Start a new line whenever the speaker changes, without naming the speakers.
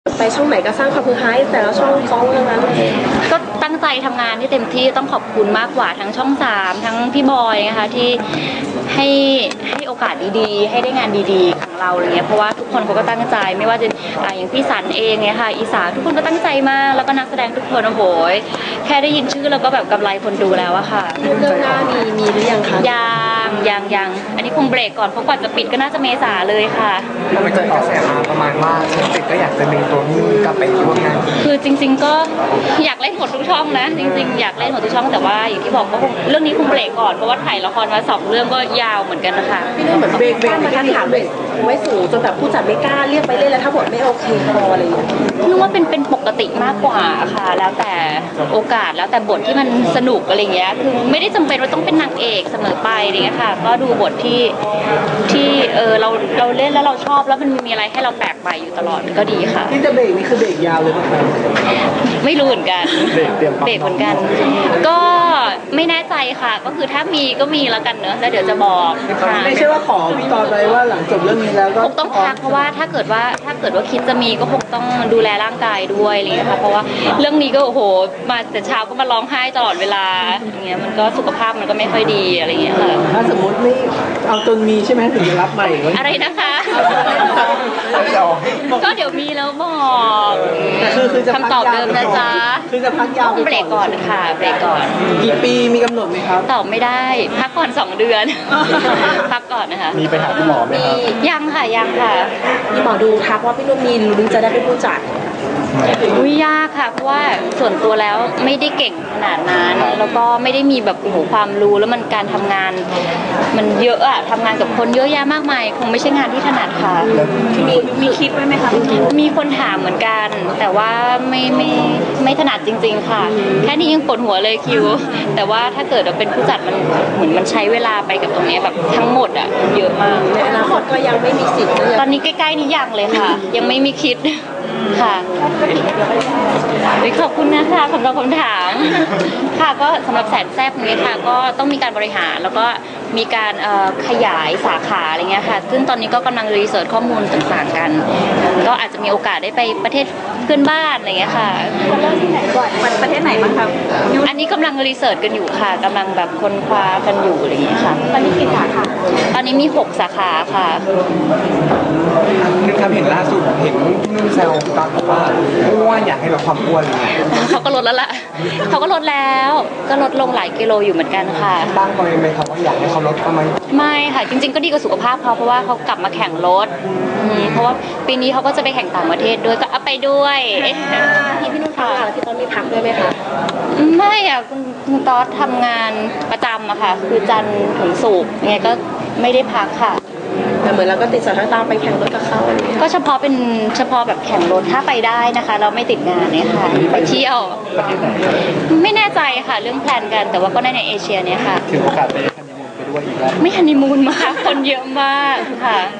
ไปช่องไหนก็สร้างความฮือฮาให้แต่ละช่องฟ้องเรื่องนั้น
ก็ตั้งใจทำงานที่เต็มที่ต้องขอบคุณมากกว่าทั้งช่อง3ทั้งพี่บอยนะคะที่ให้โอกาสดีๆให้ได้งานดีๆของเราอะไรเงี้ยเพราะว่าทุกคนเขาก็ตั้งใจไม่ว่าจะอย่างพี่สันเองเนี่ยค่ะอีสาทุกคนก็ตั้งใจมากแล้วก็นักแสดงทุกคนโอ้โหแค่ได้ยินชื่อแล้วก็แบบกำไรคนดูแล้วอะค่ะ
เรื่องหน้ามีหรือยังคะ
ยังอันนี้คงเบรกก่อนเพราะกว่าจะปิดก็น่าจะเมษาเลยค่ะ
มันจะกระแสมาประมาณว่าฉันติดก็อยากจะดึงตัวนี้กลับไปร่วมงาน
คือจริงๆก็อยากเล่นหมดทุกช่องนะจริงๆอยากเล่นหมดทุกช่องแต่ว่าอย่างที่บอกก็คงเรื่องนี้คงเบรกก่อนเพราะว่าถ่ายละครมา2เรื่องก็ยาวเหมือนกันนะคะ
พี่นุ่นเหมือนเบรกมาทันถามเลยไว้สูงจนแบบผู้จัดไม่กล้าเรียกไปเล่นแล้วถ้าบทไม่โอเคพออะไรอย่างเงี้ย
นึกว่าเป็นปกติมากกว่าค่ะแล้วแต่โอกาสแล้วแต่บทที่มันสนุกอะไรเงี้ยคือไม่ได้จำเป็นว่าต้องเป็นนางเอกเสมอไปอะไรเงี้ยค่ะก็ดูบทที่เราเล่นแล้วเราชอบแล้วมันมีอะไรให้เราแปลกใหม่อยู่ตลอดก็ดีค่ะ
ที่จะเบรกนี่คือเบรกยาวเลยป่ะครับ
ไม่รู้เหมือนกัน
เบรก
เหมือนกันก็ไม่แน่ใจค่ะก็คือถ้ามีก็มีแล้วกันเนอะแล้วเดี๋ยวจะบอก
ไม่ใช่ว่าขอพี่ตอนไปว่าหลังจบเรื่องนี้แล้วก็
คงต้องพักเพราะว่าถ้าเกิดว่าคิดจะมีก็คงต้องดูแลร่างกายด้วยอะไรเงี้ยค่ะเพราะว่าเรื่องนี้ก็โอ้โหมาแต่เช้าก็มาร้องไห้ตลอดเวลาอย่างเงี้ยมันก็สุขภาพมันก็ไม่ค่อยดีอะไรเงี้ยค่ะ
ถ้าสมมติไม่เอาจนมีใช่ไหมถึงจะรับใหม่
อะไรนะคะก็เดี๋ยวมีแล้วบอกคำตอบเดิมนะจ๊ะ
คือจะพักยาว
เบรกก่อนค่ะเบรกก่อน
กี่ปีมีกำหนดไหมครับ
ตอบไม่ได้พักก่อน2 เดือนพักก่อนนะคะ
มีไปหาคุณหมอไหมครับ
ยังค่ะ
มีหมอดูทักว่าพี่นุ่นมีลุ้นจะได้เป็นผู้จัด
ยากค่ะเพราะว่าส่วนตัวแล้วไม่ได้เก่งขนาดนั้นแล้วก็ไม่ได้มีแบบโอ้โหความรู้แล้วมันการทำงานมันเยอะอะทำงานกับคนเยอะแยะมากมายคงไม่ใช่งานที่ถนัดค่ะ
มีคิดไว้ไหมคะ
มีคนถามเหมือนกันแต่ว่าไม่ถนัดจริงๆค่ะแค่นี้ยังปวดหัวเลยคิวแต่ว่าถ้าเกิดเราเป็นผู้จัดมันเหมือนมันใช้เวลาไปกับตรงนี้แบบทั้งหมดอะเยอะมาก
ในอนาคตก็ยังไม่มีสิทธิ์
ตอนนี้ใกล้ๆนี้ยังเลยค่ะยังไม่มีคิดค่ะขอบคุณนะคะสำหรับคำถามค่ะก็สำหรับแสนแซ่บนี้ค่ะก็ต้องมีการบริหารแล้วก็มีการขยายสาขาอะไรเงี้ยค่ะซึ่งตอนนี้ก็กำลังรีเสิร์ชข้อมูลต่างๆกันก็อาจจะมีโอกาสได้ไปประเทศเพื่อนบ้านอะไรเงี้ยค่ะ
เริ่มที่ไหนก่อนประเทศไหนบ้างคะ
อันนี้กำลังรีเสิร์ชกันอยู่ค่ะกำลังแบบค้นคว้ากันอยู่อะไรเงี้ยค่ะ
ตอนนี้กี่สาขา
ตอนนี้มี6 สาขาค่ะ
นึกทำเห็นล่าสุดเห็นนุ่นแซวตอนบอกว่าอ้วนอยากให้ลดความอ้วนเลย
เขาก็ลดแล้วล่ะเขาก็ลดแล้วก็ลดลงหลายกิโลอยู่เหมือนกันค่ะ
บ้างก็ไหมครับว่าอยากให้เขาลดประมาณ
ไม่ค่ะจริงๆก็ดีกับสุขภาพเขาเพราะว่าเขากลับมาแข่งรถเพราะว่าปีนี้เขาก็จะไปแข่งต่างประเทศด้วยก็เอาไปด้วย
พี่นุ่นพักพี่ต้นไม่พักด้วยไหมคะ
ไม่อะคุณต๊อดทำงานประจำอะค่ะคือจันทร์ถึงศุกร์ไงก็ไม่ได้พักค่ะ
แต่เหมือนเราก็ติดสถานการณ์ไปแข่งรถกับเขา
ก็เฉพาะแบบแข่งรถถ้าไปได้นะคะเราไม่ติดงานเนี่ยค่ะไปเที่ยวไม่แน่ใจค่ะเรื่องแพลนกันแต่ว่าก็ได้ในเอเชียเนี่ยค่ะ
ถือโอกาสไปฮันนีมูนไปด้วยอีกแล้ว
ไม่ฮันนีมูนมาคนเยอะมากค่ะ